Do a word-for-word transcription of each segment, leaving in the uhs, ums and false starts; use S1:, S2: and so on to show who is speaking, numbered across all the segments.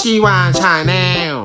S1: ชีวาชาแนล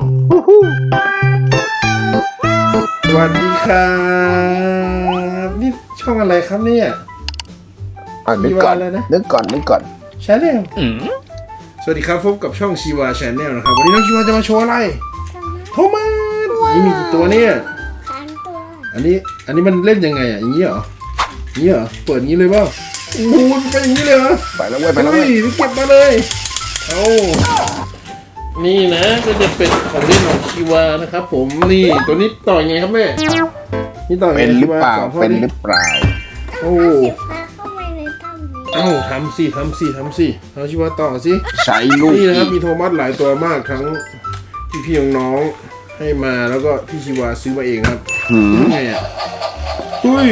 S2: สวัสดีครับนี่ช่องอะไรครับเนี่ย
S3: อ่ะนึกก่อนนึกก่อนนึกก่อน
S2: ชาแนลสวัสดีครับพบกับช่องชีวาชาแนลนะครับวันนี้น้องชีวาจะมาโชว์อะไรโทมัสนี่มีกี่ตัวเนี่ย
S4: สามตัว
S2: อันนี้อันนี้มันเล่นยังไงอ่ะอย่างนี้เหรออย่างนี้เหรอเปิดอย่างนี้เลยเปล่าโอ้โหมันเป็นอย่างนี้เลยเหรอ
S3: ไปแล้วเว้ยไปแล้วเว้ย
S2: เก็บมาเลยเอานี่นะก็จะเป็นของเล่นของชีวานะครับผมนี่ตัวนี้ต่อยังไงครับแม่นี่ต่อ
S3: เป็นหรือเปล่าเป็นหรือเปล่า
S2: โอ้
S4: เข้าไปในถ้ำนี้
S2: เอ้าทำสิทำสิทำสิเอาชีวาต่อสิ
S3: ใช้ลูก
S2: นี่นะครับมีโทมัสหลายตัวมากทั้งพี่พี่น้องๆให้มาแล้วก็พี่ชีวาซื้อมาเองครับไงอ่ะอุ้ย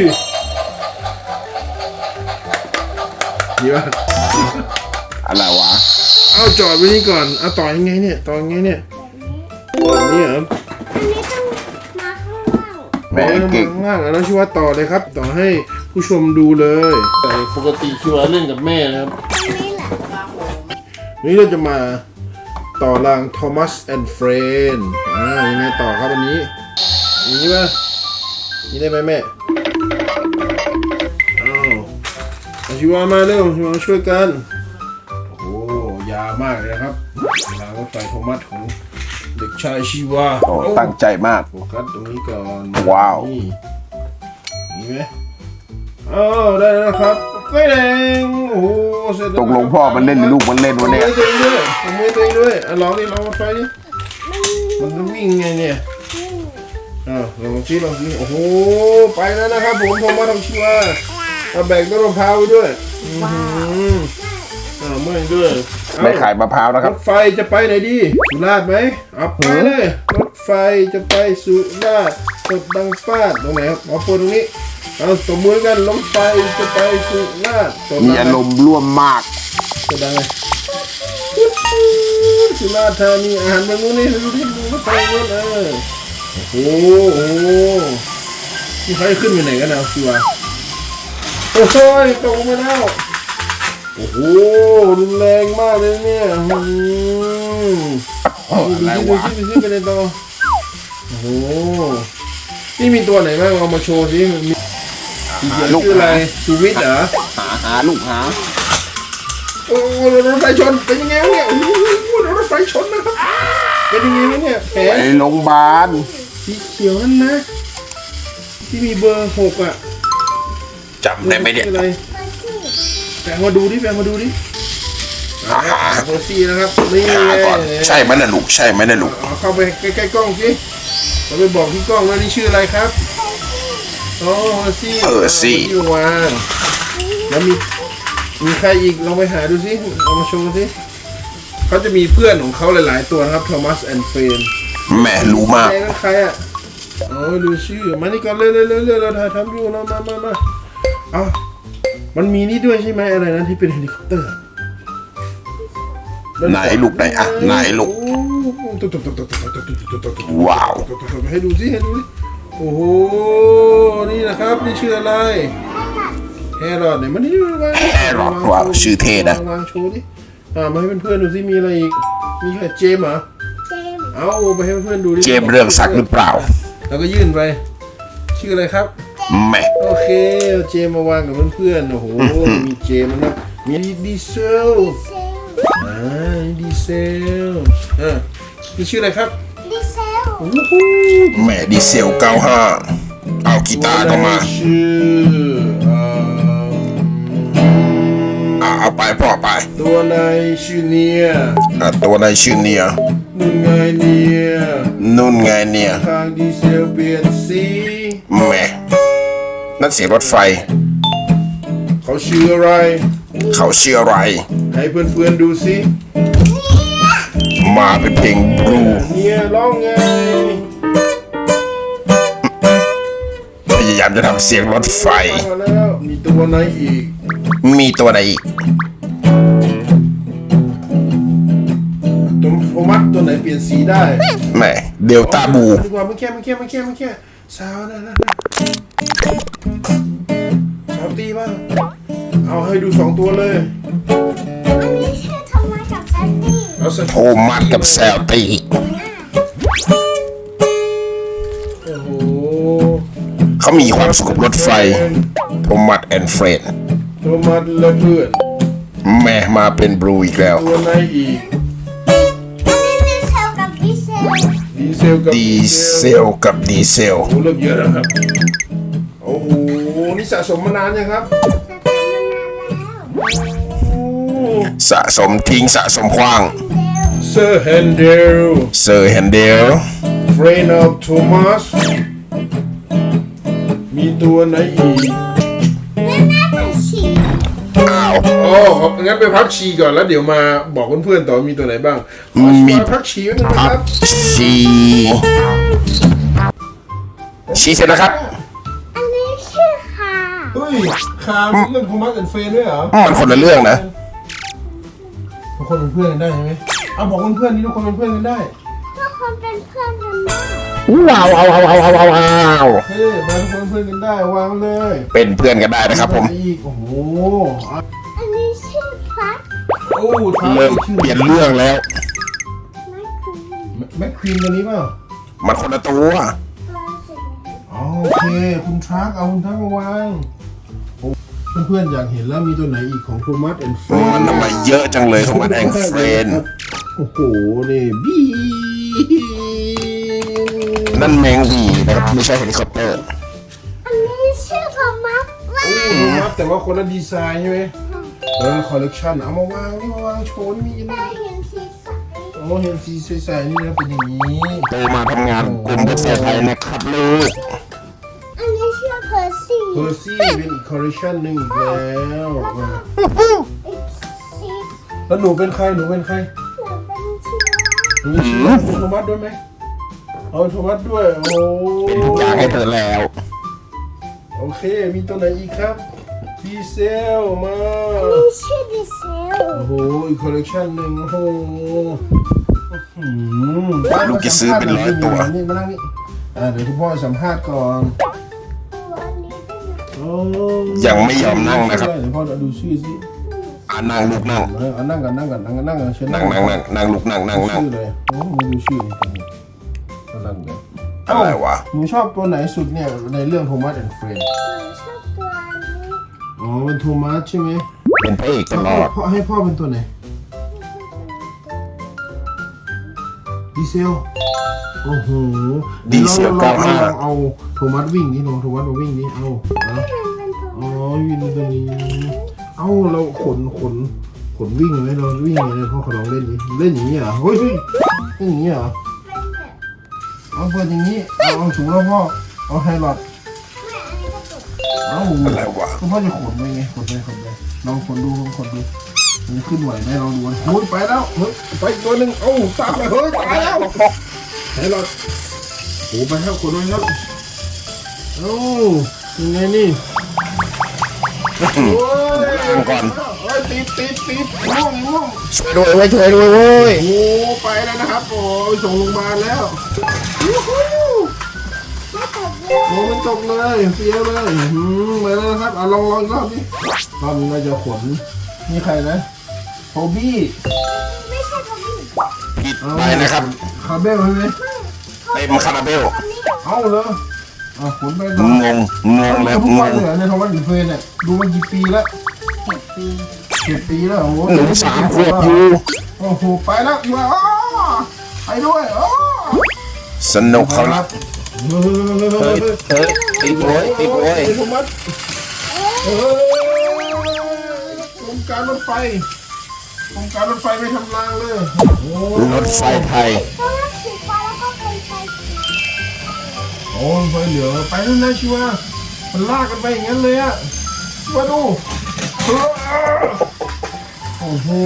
S2: นี่ว่า
S3: อะไรวะ
S2: เอาจอดไว้นี่ก่อนเอาต่อยังไงเนี่ยต่อยังไงเนี่ยแบบนี้เหรอ
S4: อันนี้ต้องมาข้างล่าง
S3: แม่เก่ง
S2: ข้างล่างแล้วชีวาต่อเลยครับต่อให้ผู้ชมดูเลยแต่ปกติชีวาเล่นกับแม่นะครับ
S4: นี่แหละ
S2: นี่เราจะมาต่อราง Thomas and Friend อ่ายังไงต่อครับอันนี้อย่างนี้ป่ะนี่ได้ไหมแม่อ้าวเอาชีวามาเร็วชีวาช่วยกันโอ้ยาวมากเลยนะครับรางรถไฟโทมัสของเด็กชายชีวา
S3: โอ้ตั้งใจมาก
S2: โฟกัสตรงนี้ก่อน
S3: ว้าว
S2: นี่นี่ไหมอ้าวได้แล้วครับไม่แดงโอ้โห
S3: ตกลงพ่อมันเล่นหรือลูกมันเล่นวะเนี่ย
S2: มือตัวเองด้วยมือตัวเองด้วยอ่ะลองดิลองรถไฟดิมันต้องวิ่งไงเนี่ยอ่าลองซิลองซิโอ้โหไปแล้วนะครับผมผมมาทำชัวร์มาแบกต้นมะพร้าวไปด้วยว้าวอ่าเมื่อยด้วย
S3: ไม่ขายมะพร้าวนะครับ
S2: รถไฟจะไปไหนดีสุราษฎร์ไหมเอาไปเลยรถไฟจะไปสุราษฎร์สดดังฟาดตรงไหนครับเอาเปิดตรงนี้เอาตบมือกันรถไฟจะไปสุราษฎร์
S3: มีอารมณ์ร่วมมาก
S2: สดดังเลยสุราษฎร์ธานีอาหารเมืองนู้นนี่ดูที่ดูรถไฟนู้นเออโอ้โหโอ้โหนี่เขาจะขึ้นไปไหนกันนะสิวะโอ้ยตกมาแล้วโอ้โหรุนแรงมากเลยเนี่ยอืมดูที่ดูที่ดูที่ไปเลยต่อโอ้โหนี่มีตัวไหนบ้างเอามาโชว์สิมีลูกอะไรชูวิทย์เหรอ
S3: หาหาลูกหา
S2: โอ้รถไฟชนเป็นยังไงเนี่ยโอ้โหรถไฟชนนะครับเป็นยังไงเนี่ยแผล
S3: ไปโรงพยาบาล
S2: สีเขียวนั่นนะที่มีเบอร์หกอ่ะ
S3: จำได้ไหมเนี่ย
S2: แฝงมาดูดิแฝงมาดูดิเบอร์สี่นะครับนี่
S3: ใช่ไหมนะลูกใช่ไหมนะลูก
S2: เข้าไปใกล้ๆกล้องสิเราไปบอกที่กล้องว่านี่ชื่ออะไรครับโอ้เบอร์สี่
S3: เบอร์สี่
S2: อยู่วางแล้วมีมีใครอีกลองไปหาดูสิเอามาโชว์สิเขาจะมีเพื่อนของเขาหลายๆตัวนะครับ Thomas and Friend
S3: แม่รู้มาก
S2: ใครอ่ะอ๋อดูชื่อมานี่ก่อนเร็วๆๆๆเราถ่ายทำอยู่เรามามามาอ๋อมันมีนี่ด้วยใช่ไหมอะไรนะที่เป็นเฮลิคอปเตอร์
S3: ไหนลูกไหนอ่ะไหนลูกว้าว
S2: ให้ดูสิให้ดูสิโอ้โหนี่นะครับนี่ชื่ออะไรแฮร์รอดเนี่ยมันนี่วาง
S3: แฮร์รอดว้าวชื่อเท่นะ
S2: วางโชว์ดิอ่ามาให้เพื่อนๆดูสิมีอะไรอีกมีใครเจมเหรอ
S4: เจม
S2: เอาไปให้เพื่อนๆดูดิ
S3: เจมเรื่องสักหรือเปล่า
S2: แล้วก็ยื่นไปชื่ออะไรครับ
S3: แม่
S2: โอเคเจมมาวางกับเพื่อนๆโอ้โหมีเจมนะมีดีเซลอ่าดีเซลอ่านี่ชื่ออะไรครับ
S4: ดีเซล
S2: โอ้โห
S3: แม่ดีเซลเก้าห้าเอากีตาร์ก็มา
S2: ชื่อ
S3: เอาไปพ่อไป
S2: ตัวในชื่อเนีย
S3: อ่ะตัวในชื่อเนีย
S2: นุ่นไงเนีย
S3: นุ่นไงเนีย
S2: ทางดีเซลเปลี่ยนสี
S3: แม่นั่นเสียงรถไฟ
S2: เขาชื่ออะไร
S3: เขาชื่ออะไร
S2: ให้เพื่อนๆดูสิ
S3: มาเป็นเพลงบลู
S2: เนียร้องไง
S3: พยายามจะทำเสียงรถไฟ
S2: แล้วมีตัวไหนอีก
S3: มีตัวไหนอีก
S2: ตัวโทมัสตัวไหนเปลี่ยนสีได้
S3: แม่เดลต้าบู
S2: ดีกว่าไม่แค่ไม่แค่ไม่แค่ไม่แค่สาวนะนะสาวตีบ้างเอาให้ดูสองตัวเลย
S4: อันนี้ชื่อโทมัสกับแซนดี้
S2: เอเอาสัก
S3: โทมัสกับแซลตี
S2: โอ้โห
S3: เขามีความสุขกับรถไฟ โทมัสแอนด์เฟรน
S2: โทมัสและเพื่อน
S3: แม่มาเป็นบลูอีกแล้ว
S2: ตัวไหนอีก
S4: อันนี้ดีเซลกับดีเซล
S2: ดีเซลกับ
S3: ดีเซลกับดีเซล
S2: โอ้โหเริ่มเยอะแล้วครับโอ้โหนี่สะสมมานานยังครับ
S4: จะทำมานานแล้ว
S2: โอ้
S3: สะสมทิ้งสะสมคว้าง
S2: เซอร์แฮนเดล
S3: เซอร์แฮนเดล
S2: เฟรนอฟโทมัสมีตัวไหนอีก
S4: แม่แม่เป็นฉี
S3: อ้าว
S2: อ๋องั้นไปพักชีก่อนแล้วเดี๋ยวมาบอกเพื่อนๆต่อมีตัวไหนบ้างขอ
S3: มี
S2: ชิวาพักชีไว้หน่อยนะ
S3: พั
S2: ครับ
S3: บชีชีเสร็จแล้วครับ
S4: อันนี้ชื่อค่ะ
S2: เฮ้ยคามเรื่องโทมัสแอนด์เฟรนด้วยเหรอ
S3: มันคนละเรื่องนะ
S2: ทุกคนเป็นเพื่อนกันได้ใช่ไหมเอาบอกเพื่อนๆนี่ทุกคนเป็นเพื่อนกันได้
S4: ทุกคนเป็นเพื่อนกันได้
S3: ว้าวว้าวว้าวว้าวว้าวว้าว
S2: เฮ้ยมาทุกคนเป็นเพื่อนกันได้วางเลย
S3: เป็นเพื่อนกันได้นะครับผม
S2: อีกโอ้โห
S4: อันนี้ชื่อพัด
S2: โอ้ท้า
S3: เริ่มเปลี่ยนเรื่องแล้ว
S4: ไม่คือ
S2: แม็กควีนตัวนี้เปล่า
S3: มันคนละตัว
S4: ปลาสิ
S2: อ๋อโอเคคุณทรัคเอาคุณทรัคมาวางโอ้เพื่อนๆอยากเห็นแล้วมีตัวไหนอีกของโทมัสแอนด์เฟรน
S3: มันทำไมเยอะจังเลยของมันแองเฟรน
S2: โอ้โหนี่บี
S3: นั่นแมงหวีนะครับไม่ใช่เฮลิคอปเตอร์
S4: อันนี้ชื่อโทมัสว่า
S2: โอ้โทมัสแต่ว่าคนละดีไซน์ใช่ไหมแล้วคอลเลกชันเอามาวางนี่มาวางโชว์นี่มี
S4: แต่
S2: นี่
S4: เห็นสีใส
S2: โอ้เห็นสีใสๆนี่นะเป็นอย่างนี้
S3: โตมาทำงานกลุ่มประเทศไทยนะครับลูก
S4: อันนี้ชื่อเพอร์ซี่
S2: เพอร์ซี่เป็นอีกคอลเลกชันหนึ่งอีกแล้วอ่ะ
S4: อีกสี
S2: แล้วหนูเป็นใครหนูเป็นใคร
S4: เหมือนเป็นชื่อ
S2: หนูมีชื่อว่าโทมัสด้วยไหมเอาโทมัสด้วยโอ้
S3: เป็นทุกอย่างให้เธอแล้ว
S2: โอเคมีตัวไหนอีกครับดีเซลมา
S4: มีชื่อดีเซล
S2: โอ้โหอีกคอลเลกชันหนึ่งโอ้โหอื้อหือ
S3: ลูกจะซื้อเป็นร้อยตัว
S2: นี่มานั่งนี่อ่าเดี๋ยวคุณพ่อสัมภาษณ์ก่อน
S4: ตัวนี้เป็นแบบ
S2: โอ้
S3: ยังไม่ยอมนั่งนะครับ
S2: เดี๋ยวพ่อดูชื่อสิ
S3: อ่านั่งลูกนั่ง
S2: เออเอานั่งกันนั่งกันนั่งกันนั่งกันเชิญ
S3: นั่งนั่งนั่งนั่งลูกนั่งนั่งนั่ง
S2: ชื่อเลยโอ้ไม่ดูชื่อนี่ตัวนี้นั่งเลย
S3: อะไรวะ
S2: หนูชอบตัวไหนสุดเนี่ยในเรื่องโทมัสแอนด์เฟรน
S4: หนูชอบตัวนี้
S2: อ๋อเป็นโทมัสใช่ไหม
S3: เป็นพระเอกตลอด
S2: พ่อให้พ่อเป็นตัวไหนดีเซลโอ้โห
S3: ดีเซล
S2: ลอง
S3: เก้าห้า
S2: ลองเอาโทมัสวิ่งนี่ลองโทมัสมาวิ่งนี่เอาเอา
S4: มันเป็นตัว
S2: อ๋อวิ่งตัวนี้เอาเราขนขนขนวิ่งไหมเราวิ่งยังไงพ่อขอลองเล่นดิเล่นอย่างนี้เหรอเฮ้ยเฮ้ยเล่นอย่างนี้เหรอ
S4: เป็นแบบ
S2: เอาเปิดอย่างนี้เอาเอาถุงแล้วพ่อเอาไฮลอด
S4: แม่อันนี้ก็ตัว
S2: เอา
S3: อะไรวะ
S2: คุณพ่อจะขนไปไงขนไปขนไปลองขนดูลองขนดูมันจะขึ้นไหวไหมลองดูโอ้ยไปแล้วเฮ้ยไปอีกตัวหนึ่งเอ้าตามไปเฮ้ยตายแล้วไฮลอดโอ้ไปแล้วขนไปแล้วเอ้ายังไงนี่โอ้ย
S3: นั่งก่อน
S2: เอ้ยติดติดติดม่วงม่วง
S3: ช่วยด้วยเว้ยช่วยด้วยเว้ย
S2: โอ้ไปแล้วนะครับโอ้ยส่งโรงพยาบาลแล้วยูฮู
S4: ไม่ตกเลย
S2: โอ้มันตกเลยเสียเลยอืมมาแล้วนะครับอ่ะลองลองอีกรอบดิรอบนี้เราจะขนนี่ใครนะโฮบี้
S4: ไม่ใช่ตัวนี้
S3: ผิดไปนะครับ
S2: คาเบลใช่ไหม
S3: เต็มคาราเบล
S4: ตัวนี้
S2: เอาเลยอ่ะขนไป
S3: ง
S2: ต่อง
S3: งงแล้ว
S2: ทุก
S3: ง
S2: วัน
S3: ง
S2: เลยเหรอในทวันอินเฟนเนี่ยดูมากี่ปีแล้วเจ็ดปีเจ็ดปีแล้วโอ้โห
S3: หนูสามขวบอยู่
S2: โอ้โหไปแล้วอยู่อ่ะอ้อไปด้วยอ้อ
S3: สนุกเขารับ
S2: เฮ้ย
S3: เฮ้ยติดโว้ยติดโว้ย
S2: ติดโว้ยเฮ้ยโครงการรถไฟโครงการรถไฟไม่ทำรางเลยโอ้
S3: รถไฟไทย
S4: ตัวนั้นสีฟ้าแล้วก็เป็นไฟสี
S2: โอ้ไฟเหลืองไปแล้วนะชิวะมันลากกันไปอย่างนั้นเลยอะมาดูโอ้โห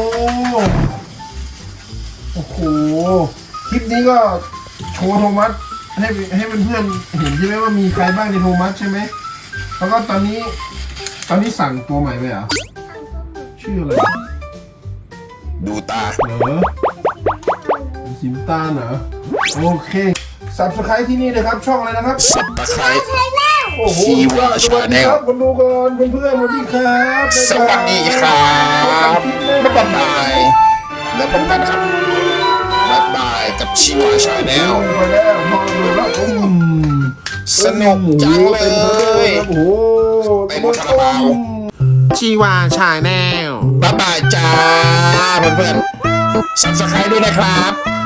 S2: โอ้โหคลิปนี้ก็โชว์โทมัสให้ให้เพื่อนๆเห็นใช่ไหมว่ามีใครบ้างในโทมัสใช่ไหมแล้วก็ตอนนี้ตอนนี้สั่งตัวใหม่ไปเหรอชื่ออะไร
S3: ดูตา
S2: เหรอสิมตาลเหรอโอเคสับสไครที่นี่นะครับช่องอะไรนะครับ
S3: สับตะไคร้
S4: ใช่แล้ว
S2: โอ้โห
S3: ชีวา
S2: สวัสดีครับ
S3: Channel
S2: คนดูก่อนเพื่อนๆสวัสดีครับ
S3: สวัสดีครับ
S2: บ๊ายบาย
S3: บ๊ายบายแล้วพบกันครับบ๊ายบายกับชีวาชาแนล
S2: ไปแล้วพอดูแล้วผม
S3: สนุกจังเลย
S2: โอ้โห
S3: เต็มคาราบาว
S1: ชีวาชาแนล
S3: บ๊ายบายจ้าเพื่อนๆ ซับสไครต์ด้วยนะครับ